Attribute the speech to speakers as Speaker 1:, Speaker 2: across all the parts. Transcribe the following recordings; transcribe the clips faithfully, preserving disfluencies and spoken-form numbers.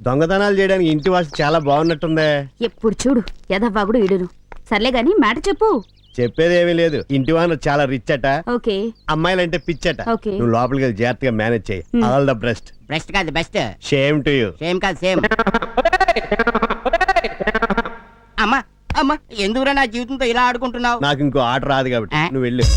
Speaker 1: దొంగతనాలు చేయడానికి ఇంటి వాసు చాలా బాగున్నట్టుందే.
Speaker 2: ఎప్పుడు చూడు యదవ్వాగుడు ఇడును. సర్లే గాని మాట చెప్పు.
Speaker 1: చెప్పేదేమీ లేదు. ఇంటి వాన చాలా రిచ్ అట,
Speaker 2: ఓకే
Speaker 1: అమ్మాయిలంటే పిచ్చట.
Speaker 2: ఓకే.
Speaker 1: నువ్వు లోపలికి వెళ్ళి జాగ్రత్తగా మేనేజ్ చేయి. All the best.
Speaker 3: బెస్ట్ కాదు best.
Speaker 1: Shame to you.
Speaker 3: Same కాదు సేమ్. అమ్మా అమ్మా ఎందుకురా నా జీవితంతో ఇలా ఆడుకుంటున్నావు?
Speaker 1: నాకు ఇంకో ఆట రాదు కాబట్టి
Speaker 3: ఆ?
Speaker 1: నువ్వు వెళ్ళు.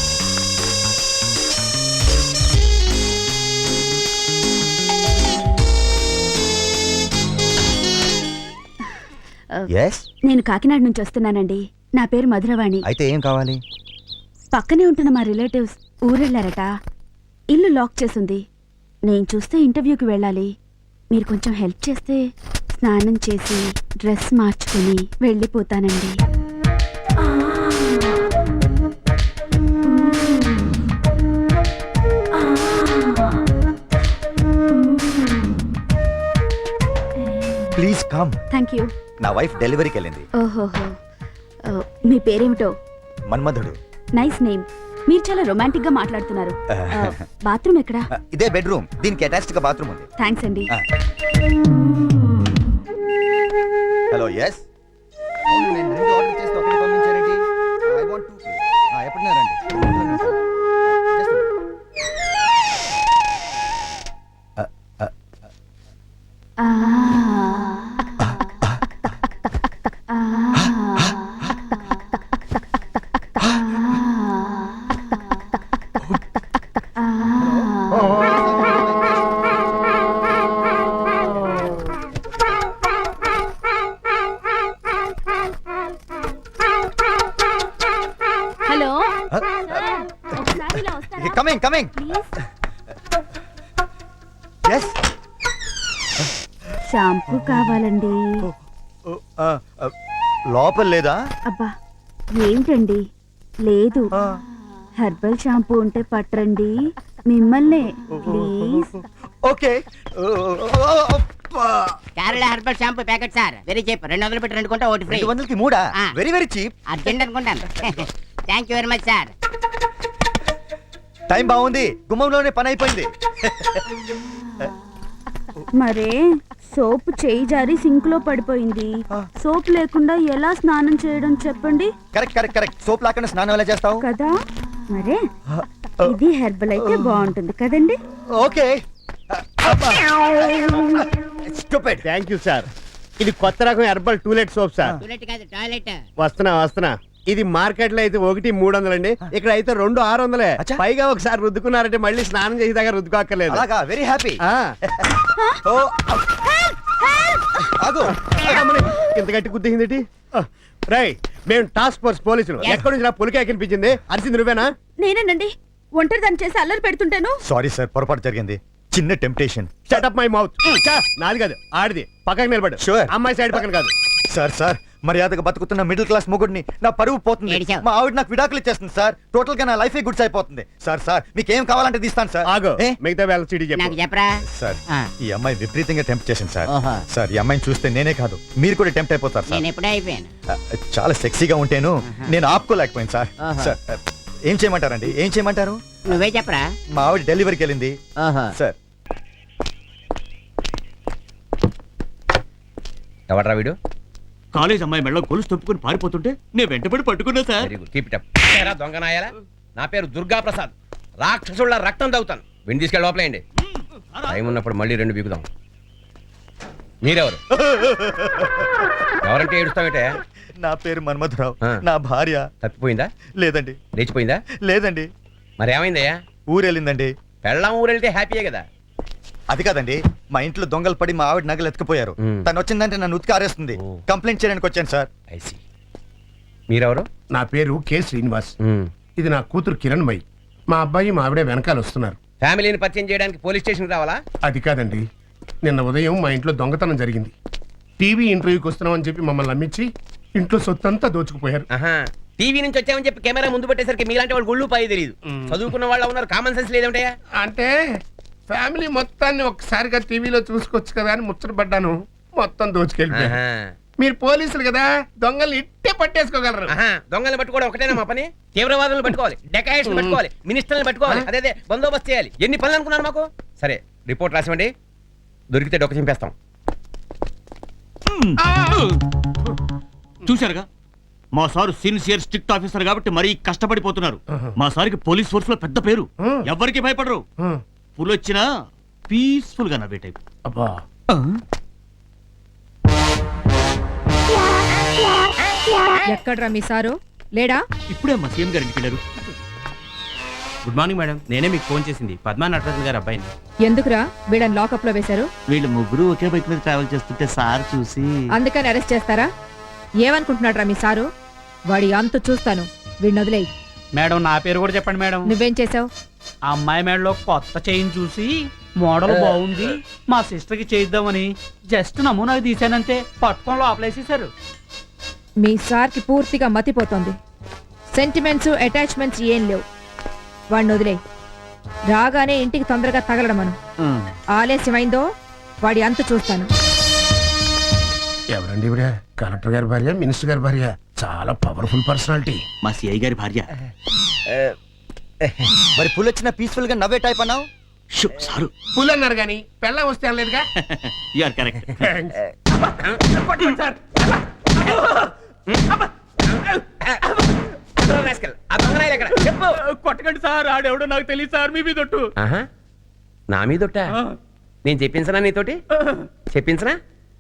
Speaker 2: నేను కాకినాడ నుంచి వస్తున్నానండి. నా పేరు మధురవాణి.
Speaker 4: అయితే ఏం కావాలి?
Speaker 2: పక్కనే ఉంటున్న మా రిలేటివ్స్ ఊరెళ్ళారట. ఇల్లు లాక్ చేసింది. నేను చూస్తే ఇంటర్వ్యూకి వెళ్ళాలి. మీరు కొంచెం హెల్ప్ చేస్తే స్నానం చేసి డ్రెస్ మార్చుకుని వెళ్ళిపోతానండి.
Speaker 4: Please come.
Speaker 2: Thank you.
Speaker 4: నా వైఫ్ డెలివరీకి వెళ్ళింది.
Speaker 2: ఓహోహో. ఓ, మీ పేరేమిటో?
Speaker 4: మన్మధుడు.
Speaker 2: Nice name. మీరు చాలా రొమాంటిక్ గా మాట్లాడుతున్నారు. బాత్రూమ్ ఎక్కడా?
Speaker 4: ఇదే బెడ్రూమ్. దీనికి అటాచ్డ్ గా బాత్రూమ్ ఉంది.
Speaker 2: థ్యాంక్స్ అండి.
Speaker 4: హలో. ఎస్. ఆర్డర్ చేస్తే ఒకటి పంపించారండి. ఐ వాంట్ టు ఎప్పుడున్నారండి?
Speaker 2: Hello.
Speaker 4: Coming coming. Yes.
Speaker 2: Shampoo కావాలండి.
Speaker 4: లోపల లేదా?
Speaker 2: అబ్బా ఏంటండి లేదు. హెర్బల్ షాంపూ ఉంటే పట్టరండి. మిమ్మల్నే please.
Speaker 4: Okay.
Speaker 3: Kerala herbal shampoo packet sir. Very cheap. రెండు వందలు పెట్టి రెండు కొంటే ఒకటి ఫ్రీ.
Speaker 4: రెండు వందలకి మూడా?
Speaker 3: ఆ.
Speaker 4: Very very cheap.
Speaker 3: అర్జెంట్ అనుకుంటాను. Thank you very much sir.
Speaker 4: Time బాగుంది. గుమ్మంలోనే పని అయిపోయింది.
Speaker 2: మరే సోప్ చేయి జారి సింక్ లో పడిపోయింది. సోప్ లేకుండా ఎలా స్నానం చేయడం చెప్పండి.
Speaker 4: Correct correct correct. సోప్ లేకుండా స్నానం ఎలా చేస్తావు
Speaker 2: కదా మరే. ఇది హెర్బల్ అయితే బాగుంటుంది కదండి.
Speaker 4: Okay. Stupid.
Speaker 1: Thank you sir. ఇది కొత్త రకం herbal toilet soap sir.
Speaker 3: Toilet కాదు టాయిలెట్.
Speaker 1: వస్తున్నా వస్తున్నా. ఇది మార్కెట్ లో అయితే ఒకటి మూడు వందలండి. ఇక్కడ అయితే రెండు ఆరు వందలే.
Speaker 4: అచ్చా.
Speaker 1: పైగా ఒకసారి రుద్దుకున్నారంటే మళ్ళీ స్నానం చేసి దగ్గర రుద్దుకోక్కర్లేదు.
Speaker 4: అలాగా. Very happy.
Speaker 1: ఆ.
Speaker 4: ఓ ఆగు.
Speaker 1: అమ్మని, ఇంత గట్టి గుద్దింది. రై మేము టాస్క్ ఫోర్స్ పోలీసులు. ఎక్కడి నుంచి నా పులికే కనిపించింది? అరిసింది నువ్వేనా?
Speaker 2: నేనేనండి. ఒంటరి దాన్ని చేసి అల్లరి పెడుతుంటాను.
Speaker 4: సారీ సార్, పొరపాటు జరిగింది. చిన్న temptation.
Speaker 1: Shut up my mouth. నాది కాదు ఆడిది. పక్కకి నిలబడు.
Speaker 4: Sure.
Speaker 1: అమ్మాయి సైడ్ పక్కన కాదు.
Speaker 4: సార్ సార్ మర్యాదగా బతుకుతున్న మిడిల్ క్లాస్ మొగుడిని నా పరువు పోతుంది.
Speaker 3: ఏడిచావు.
Speaker 4: మా ఆవిడ నాకు విడాకులు ఇచ్చేస్తుంది సార్. టోటల్ గా నా లైఫ్ గుడ్స్ అయిపోతుంది. సార్ సార్ మీకు ఏం కావాలంటే తీస్తాను సార్.
Speaker 1: ఆగో
Speaker 4: ఏ?
Speaker 1: మిగతా వేళ సిటీ
Speaker 3: నాకు
Speaker 1: చెప్పు.
Speaker 3: చెప్పరా?
Speaker 4: సార్
Speaker 3: ఆ.
Speaker 4: ఈ అమ్మాయి విపరీతంగా టెంప్ట్ చేసింది సార్.
Speaker 3: ఓహో.
Speaker 4: సార్ ఈ అమ్మాయిని చూస్తే నేనే కాదు మీరు కూడా టెంప్ట్ అయిపోతారు సార్.
Speaker 3: నేను ఎప్పుడే అయిపోయాను.
Speaker 4: ఆ, చాలా సెక్సీగా ఉంటేను నేను ఆపుకోలేకపోయాను సార్.
Speaker 3: ఓహో.
Speaker 4: సార్ ఏం చేయమంటారండి? ఏం చేయమంటారు?
Speaker 3: నువ్వే చెప్పరా?
Speaker 4: మా ఆవిడ డెలివరీకి వెళ్ళింది
Speaker 3: ఓహో.
Speaker 4: సార్.
Speaker 5: ఎవడ్రా వీడు?
Speaker 6: కాలేజ్ అమ్మాయి మెళ్ళ గొలుసు తప్పుకుని పారిపోతుంటే నేను వెంటబడి పట్టుకున్నా sir.
Speaker 5: Very good, keep it up. ఏరా దొంగనాయాలా, నా పేరు దుర్గా ప్రసాద్. రాక్షసుళ్ళ రక్తం తాగుతాను. విని తీసుకెళ్ళి లోపలేయండి. టైం ఉన్నప్పుడు మళ్ళీ రెండు బీగుదాం. మీరెవరు? ఎవరంటే ఏడుస్తావేటే?
Speaker 4: నా పేరు మన్మధరావు.
Speaker 5: ఆ.
Speaker 4: నా భార్య
Speaker 5: తప్పిపోయిందా?
Speaker 4: లేదండి.
Speaker 5: లేచిపోయిందా?
Speaker 4: లేదండి.
Speaker 5: మరి ఏమైందయ్యా?
Speaker 4: ఊరెళ్ళిందండి.
Speaker 5: పెళ్ళాం ఊరెళ్తే హ్యాపీయే కదా.
Speaker 4: అది కాదండి, మా ఇంట్లో దొంగలు పడి మా ఆవిడ నగలు ఎత్తుకుపోయారు.
Speaker 5: మ్.
Speaker 4: తను వచ్చిందంటే నన్ను ఉతికి ఆరేస్తుంది.
Speaker 5: ఓ.
Speaker 4: కంప్లైంట్ చేయడానికి వచ్చాను సార్.
Speaker 5: ఐసి. మీరెవరు?
Speaker 1: నా పేరు కె శ్రీనివాస్.
Speaker 5: మ్.
Speaker 1: ఇది నా కూతురు కిరణ్మయి. మా అబ్బాయి మా ఆవిడే వెనకాల వస్తున్నారు.
Speaker 5: ఫ్యామిలీని పరిచయం చేయడానికి పోలీస్ స్టేషన్ రావాలా?
Speaker 1: అది కాదండి, నిన్న ఉదయం మా ఇంట్లో దొంగతనం జరిగింది. టీవీ ఇంటర్వ్యూకి వస్తున్నామని చెప్పి మమ్మల్ని నమ్మించి ఇంట్లో సొత్తంతా దోచుకుపోయారు.
Speaker 5: ఆహా, టీవీ నుంచి వచ్చామని చెప్పి కెమెరా ముందు పెట్టేసరికి మీలాంటి వాళ్ళు గుళ్ళు పాయి తెలియదు. చదువుకున్న వాళ్ళు ఉన్నారు, కామన్ సెన్స్ లేదంటయ్యా.
Speaker 1: అంటే ఫ్యామిలీ మొత్తాన్ని ఒక్కసారిగా టీవీలో చూసుకోవచ్చు కదా అని ముచ్చటపడ్డాను. మొత్తం దోచుకెళ్ళిపోయారు.
Speaker 5: ఆహా.
Speaker 1: మీరు పోలీసులు కదా, దొంగల్ని ఇట్టే పట్టేసుకోగలరు.
Speaker 5: ఆహా, దొంగల్ని పట్టుకోవడం ఒకటేనా మా పని? తీవ్రవాదులను పట్టుకోవాలి, డెకాయిట్స్ పట్టుకోవాలి, మినిస్టర్ని పట్టుకోవాలి, అదే బందోబస్తు చేయాలి. ఎన్ని పనులు అనుకున్నారు మాకు? సరే రిపోర్ట్ రాసివ్వండి, దొరికితే డొక్క చింపేస్తాం.
Speaker 6: చూశారుగా మా సారు సిన్సియర్ స్ట్రిక్ట్ ఆఫీసర్ కాబట్టి మరీ కష్టపడిపోతున్నారు. మా సార్కి పోలీస్ ఫోర్స్ లో పెద్ద పేరు, ఎవరికి భయపడరు. పులి వచ్చినా పీస్ఫుల్ గా నవ్వే టైప్.
Speaker 1: అబ్బా
Speaker 7: ఎక్కడ్రా మీ సారు లేడా?
Speaker 6: ఇప్పుడే మా సీఎం గారు ఇంటికి వెళ్ళారు.
Speaker 8: గుడ్ మార్నింగ్ మేడం, నేనే మీకు ఫోన్ చేసింది పద్మా నటరాజన్ గారి అబ్బాయిని.
Speaker 7: ఎందుకురా వీళ్ళని లాకప్ లో వేశారు?
Speaker 6: వీళ్ళు ముగ్గురు ఒకే బైక్ మీద ట్రావెల్ చేస్తుంటే సార్ చూసి
Speaker 7: అందుకని అరెస్ట్ చేస్తారా? ఏమనుకుంటున్నాడ్రా మీ సారు? వాడి అంతు చూస్తాను, వీడిని వదిలేయి.
Speaker 8: మేడం నా పేరు కూడా చెప్పండి మేడం.
Speaker 7: నువ్వేం చేసావు?
Speaker 8: ఆ అమ్మాయి మేడలో కొత్త చైన్ చూసి మోడల్ బాగుంది, మా సిస్టర్ కి చేయిద్దామని జస్ట్ నమూనాకి తీసానంతే, పట్టుకొని లోపలేసేసారు.
Speaker 7: మీ సార్కి పూర్తిగా మతిపోతుంది. సెంటిమెంట్స్ అటాచ్మెంట్స్ ఏం లేవు. వాడిని వదిలేయి. రాగానే ఇంటికి తొందరగా తగలడమను. ఆలస్యమైందో వాడి అంతు చూస్తాను.
Speaker 1: ఎవరండి ఇవిడ? కలెక్టర్ గారి భార్య, మినిస్టర్ గారి భార్య, చాలా పవర్ఫుల్ పర్సనాలిటీ.
Speaker 6: మా సిఐ గారి భార్య.
Speaker 4: మరి పుల్ వచ్చిన పీస్ఫుల్ గా నవ్వే టైప్ అన్నావు.
Speaker 6: షూ, సారు
Speaker 1: పుల్ అన్నారు కానీ పెళ్ళం వస్తే అనలేదుగా.
Speaker 6: You are correct.
Speaker 8: కొట్టకండి సార్, ఆడెవడో నాకు తెలియదు సార్, మీ మీదొట్టు.
Speaker 5: ఆహా, నా మీదొట్ట? నేను చెప్పించనా నీతోటి? చెప్పించనా?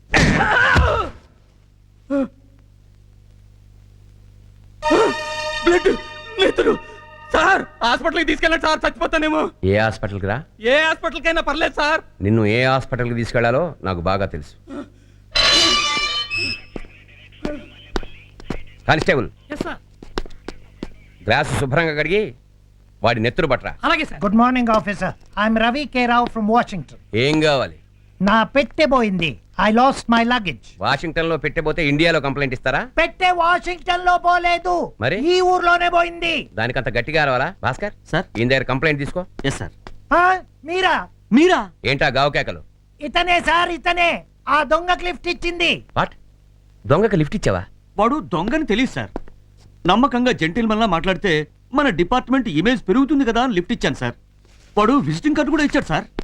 Speaker 8: బ్లడ్ నేతులు సార్, హాస్పిటల్కి తీసుకెళ్ళండి సార్, చచ్చిపోతానేమో.
Speaker 5: ఏ హాస్పిటల్కి రా?
Speaker 8: ఏ హాస్పిటల్కైనా పర్లేదు సార్.
Speaker 5: నిన్ను ఏ హాస్పిటల్కి తీసుకెళ్లాలో నాకు బాగా తెలుసు. కానిస్టేబుల్, గ్లాసు శుభ్రంగా కడిగి వాడి నెత్తురు పట్టరా.
Speaker 8: అలాగే sir.
Speaker 9: Good morning officer, I'm Ravi K Rao from Washington.
Speaker 5: ఏం కావాలి?
Speaker 9: నా పెట్టె పోయింది. I lost my luggage.
Speaker 5: Washington లో పెట్టబోతే ఇండియాలో కంప్లైంట్ ఇస్తారా?
Speaker 9: పెట్టె వాషింగ్టన్ లో పోలేదు,
Speaker 5: మరి?
Speaker 9: ఈ ఊర్లోనే పోయింది.
Speaker 5: దానికంత గట్టిగా రావాలా? భాస్కర్
Speaker 6: సార్.
Speaker 5: ఈయన దగ్గర కంప్లైంట్ తీసుకో.
Speaker 6: Yes sir.
Speaker 9: ఆ, మీరా?
Speaker 6: మీరా?
Speaker 5: ఏంటా గావు కేకలు?
Speaker 9: ఇతనే సార్, ఇతనే ఆ దొంగకి లిఫ్ట్ ఇచ్చింది.
Speaker 5: వాట్? దొంగకి లిఫ్ట్ ఇచ్చావా?
Speaker 6: వాడు దొంగని తెలియదు సార్. నమ్మకంగా జెంటిల్మన్ లా మాట్లాడితే మన డిపార్ట్మెంట్ ఇమేజ్ పెరుగుతుంది కదా అని లిఫ్ట్ ఇచ్చాను సార్. వాడు విజిటింగ్ కార్డు కూడా ఇచ్చాడు సార్.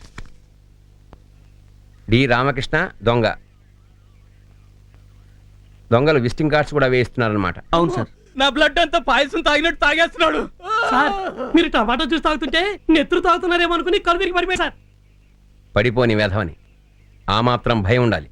Speaker 5: డి రామకృష్ణ దొంగ. దొంగలు విజిటింగ్ కార్డ్స్ కూడా వేయిస్తున్నారన్నమాట.
Speaker 6: అవును సార్.
Speaker 8: నా బ్లడ్ అంతా పాయసం తాగినట్టు తాగేస్తున్నాడు సార్. మీరు టమాటో జ్యూస్ తాగుతుంటే నెత్తురు తాగుతున్నారేమో అనుకుని కళ్ళు తిరిగి పడిపోయి సార్.
Speaker 5: పడిపోని వేధవని ఆ మాత్రం భయం ఉండాలి.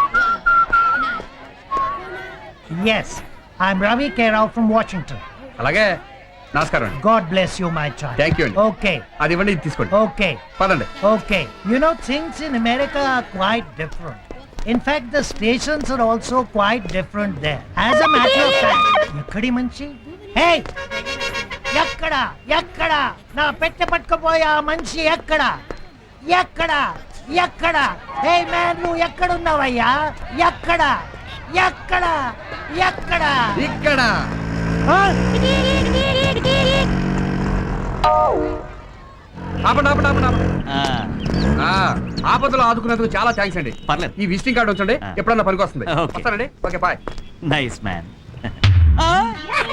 Speaker 9: Yes, I'm Ravi K Rao from Washington.
Speaker 10: అలాగే, నమస్కారం.
Speaker 9: God bless you my child.
Speaker 10: Thank you అండి.
Speaker 9: ఓకే
Speaker 10: అది ఇవ్వండి, ఇది తీసుకోండి.
Speaker 9: ఓకే
Speaker 10: పదండి.
Speaker 9: Okay, you know things in America are quite different. In fact, the stations are also quite different there. As a matter of fact, ఎక్కడి మనిషి? Hey, ఎక్కడ ఎక్కడ నా పెట్టె పట్టుకుపోయే ఆ మనిషి ఎక్కడ ఎక్కడ ఎక్కడ? హే మ్యాన్, నువ్వు ఎక్కడున్నావయ్యా? ఎక్కడ ఎక్కడ ఎక్కడ?
Speaker 10: ఇక్కడ
Speaker 9: ఆ?
Speaker 10: ఆపండి, ఆపండి, ఆపండి, ఆపండి.
Speaker 6: ఆ,
Speaker 10: ఆ, ఆపదలో ఆదుకున్నందుకు చాలా థ్యాంక్స్ అండి.
Speaker 6: పర్లేదు.
Speaker 10: ఈ విజిటింగ్ కార్డు ఉంచండి,
Speaker 6: ఆ.
Speaker 10: ఎప్పుడన్నా పనికి వస్తుంది.
Speaker 6: ఓకే.
Speaker 10: వస్తానండి. Okay, bye.
Speaker 6: Nice man.